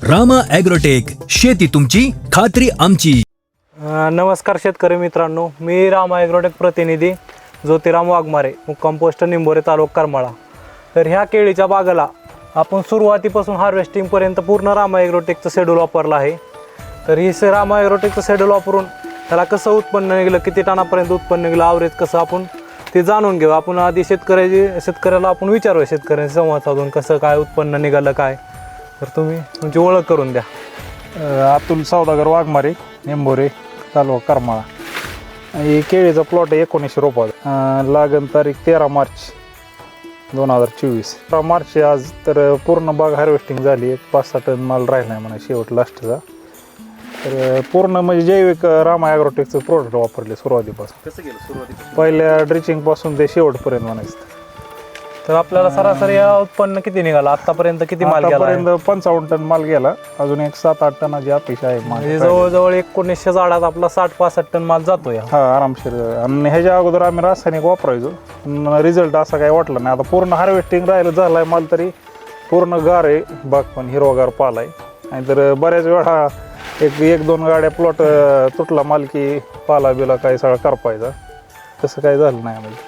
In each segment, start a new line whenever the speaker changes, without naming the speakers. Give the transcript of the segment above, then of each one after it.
Rama agrotech, शेती तुमची खात्री आमची.
नमस्कार शेतकरी मित्रांनो, मी रामा ॲग्रोटेक प्रतिनिधी ज्योतिराम वाघमारे, मुक्काम पोस्ट निंबोरे, तालुका करमाळा. तर ह्या केळीच्या बागेला आपण सुरुवातीपासून हार्वेस्टिंगपर्यंत पूर्ण रामा ॲग्रोटेकचं शेड्यूल वापरलं आहे. तर ही रामा ॲग्रोटेकचं शेड्यूल वापरून त्याला कसं उत्पन्न निघलं, किती टनापर्यंत उत्पन्न निघलं, ॲव्हरेज कसं, आपण ते जाणून घेऊ. आपण आधी शेतकऱ्याला आपण विचारूया, शेतकऱ्यांशी संवाद साधून कसं काय उत्पन्न निघालं काय. तर तुम्ही तुमची ओळख करून द्या.
अतुल सौदागर वाघमारे, निंबोरे, तालुका करमाळा. हे केळीचा प्लॉट आहे 1900 रोपाचा. लागण तारीख 13 मार्च 2024. 13 मार्च आज. तर पूर्ण बाग हार्वेस्टिंग झाली. 5-6 टन माल राहिला आहे म्हणा शेवट लास्टचा. तर पूर्ण म्हणजे जैविक रामा ॲग्रोटेकचं प्रोडक्ट वापरले सुरुवातीपासून.
कसं गेलं सुरुवातीपासून?
पहिल्या ड्रिचिंगपासून ते शेवटपर्यंत म्हणायचं.
तर आपल्याला सरासरी उत्पन्न किती निघालं आतापर्यंत? किती माल गेला?
आतापर्यंत 55 टन माल गेला. अजून एक 7-8 टनाची अपेक्षा आहे.
म्हणजे जवळजवळ 1900 झाडात आपला 60-65 टन माल जातो या.
हा, आरामशीर. आणि ह्याच्या अगोदर आम्ही रासायनिक वापरायचो, रिझल्ट असा काही वाटला नाही. आता पूर्ण हार्वेस्टिंग राहिलं झालाय माल, तरी पूर्ण गार आहे बाग, पण हिरवागार पाला आहे. आणि तर बऱ्याच वेळा एक दोन गाड्या प्लॉट तुटला माल की पाला बिला काही सगळा करपायचा. तसं काही झालं नाही आम्हाला.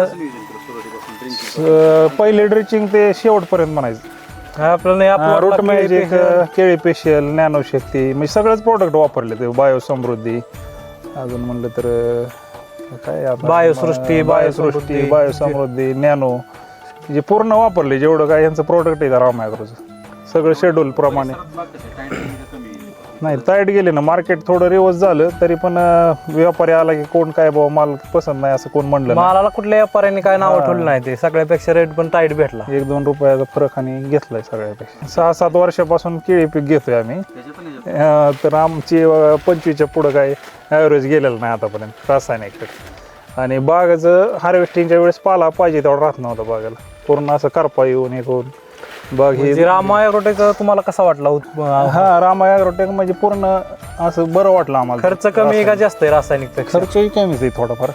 पहिले ड्रिचिंग ते शेवटपर्यंत म्हणायचं.
आपल्याला
रूट मॅजिक, केळी स्पेशल, नॅनो शक्ती, म्हणजे सगळेच प्रोडक्ट वापरले. ते बायो समृद्धी, अजून म्हणलं तर काय
बायोसृष्टी,
बायो समृद्धी, नॅनो, जे पूर्ण वापरले जेवढं काय यांचं प्रोडक्ट आहे रामा ॲग्रोचं सगळं शेड्यूल प्रमाणे. नाही, टाईट गेले ना, मार्केट थोडं रिवर्स झालं तरी पण व्यापारी आला की कोण काय बाबा माल पसंत नाही असं कोण म्हणलं.
मालाला कुठल्या व्यापाऱ्यांनी काय नाव ठेवलं नाही, ते सगळ्यापेक्षा रेट पण टाईट भेटला.
1-2 रुपयाचा फरक आणि घेतलाय सगळ्यापेक्षा. 6-7 वर्षापासून केळी पीक घेतोय आम्ही. तर आमची 25च्या पुढं काय ॲव्हरेज गेलेलं नाही आतापर्यंत रासायनिक. आणि बागाचं हार्वेस्टिंगच्या वेळेस पाला पाहिजे तेवढा राहत नव्हता बागाला. पूर्ण असं करपा येऊन एक होऊन बाग ही.
रामा ॲग्रोटेक तुम्हाला कसा वाटला?
हा, रामा ॲग्रोटेक म्हणजे पूर्ण असं बरं वाटलं आम्हाला.
खर्च कमी आहे का जास्त आहे रासायनिक पेक्षा?
खर्चही कमीच आहे थोडाफार.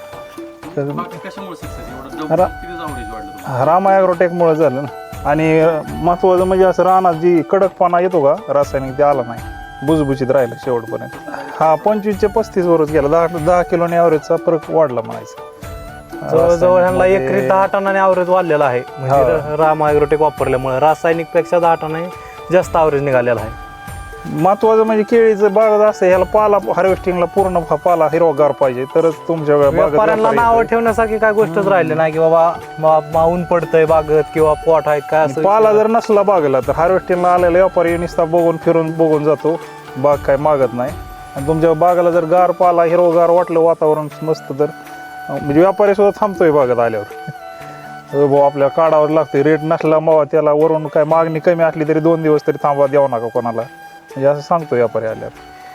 रामा ॲग्रोटेकमुळे झालं ना. आणि महत्वाचं म्हणजे असं रानात जी कडकपणा येतो का रासायनिक, ते आला नाही, बुजबुजीत राहिलं शेवटपर्यंत. हा, 25 ते 35 वरच गेला. 10 किलोने ॲव्हरेजचा फरक वाढला म्हणायचं.
जवळजवळ ह्यांना एकरी 10 टनाने ॲव्हरेज वाढलेला आहे. म्हणजे रामा ॲग्रोटेक वापरल्यामुळे रासायनिक पेक्षा 10 टनाने जास्त ॲव्हरेज निघालेला आहे.
महत्वाचं म्हणजे केळीचं बाग असं ह्याला पाला हार्वेस्टिंगला पूर्ण पाला हिरवागार पाहिजे तरच तुमच्या
व्यापाऱ्यांना नाव ठेवण्यासारखी काय गोष्टच राहिली नाही की बाबा ऊन पडतंय बागत किंवा पोट आहेत काय असं.
पाला जर नसला बागेला तर हार्वेस्टिंगला आलेला व्यापारी नुसता फिरून बघून जातो, बाग काय मागत नाही. आणि तुमच्या बागाला जर गार पाला हिरवगार वाटलं, वातावरण मस्त, तर म्हणजे व्यापारी सुद्धा थांबतोय बागेत आल्यावर. आपल्याला काढावं लागतं. रेट नसला मग त्याला वरून काय मागणी कमी असली तरी 2 दिवस तरी थांबवा, द्यावं नका कोणाला, म्हणजे असं सांगतो व्यापारी आल्यावर.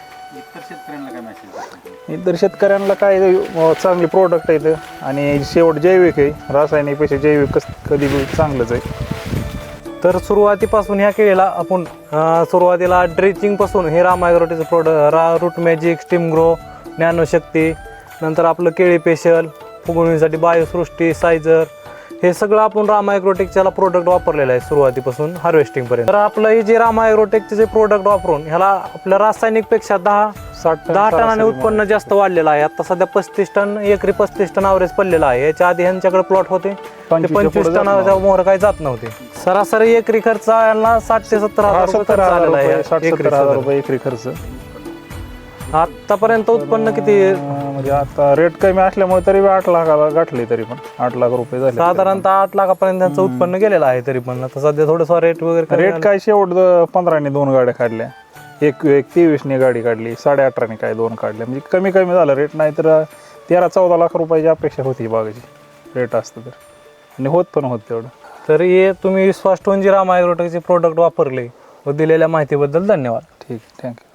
इतर शेतकऱ्यांना काय चांगले प्रोडक्ट आहेत. आणि शेवट जैविक आहे, रासायनिकपेक्षा जैविक कधी चांगलंच आहे.
तर सुरुवातीपासून ह्या केळीला आपण सुरुवातीला ड्रिचिंगपासून हे रामा ॲग्रोटेकचं product, root magic, steam grow, nano Shakti, नंतर आपलं केळी स्पेशल, फुगवणीसाठी बायोसृष्टी, सायझर, हे सगळं आपण रामा ॲग्रोटेकच्याला प्रोडक्ट वापरलेलं आहे सुरुवातीपासून हार्वेस्टिंगपर्यंत. तर आपलं हे जे रामा ॲग्रोटेकचे जे प्रोडक्ट वापरून ह्याला आपल्या रासायनिकपेक्षा 10 टनाने उत्पन्न जास्त वाढलेलं आहे. आता सध्या 35 टन, एकरी 35 टन ॲव्हरेज पडलेलं आहे. याच्या आधी ह्यांच्याकडे प्लॉट होते 25 टनाच्या मोहर काही जात नव्हते. सरासरी एकरी खर्च यांना 60 ते 70 हजार रुपये झालेला आहे.
60-70 रुपये एकरी खर्च.
आतापर्यंत उत्पन्न किती?
म्हणजे आता रेट कमी असल्यामुळे तरी 8 लाखाला गाठले, तरी पण 8 लाख रुपये झाले.
साधारणतः 8 लाखापर्यंत त्यांचं उत्पन्न गेलेलं आहे. तरी पण आता सध्या थोडंसं रेट वगैरे
रेट काय शेवट 15ने 2 गाड्या काढल्या, एक 23ने गाडी काढली, 18.5ने काय 2 काढल्या. म्हणजे कमी झालं रेट. नाही तर 13-14 लाख रुपयाची अपेक्षा होती बागाची रेट असतं तर. आणि होत तेवढं.
तर हे तुम्ही विश्वास ठेवून जी रामा ॲग्रोटेकचे प्रोडक्ट वापरले व दिलेल्या माहितीबद्दल धन्यवाद.
ठीक, थँक्यू.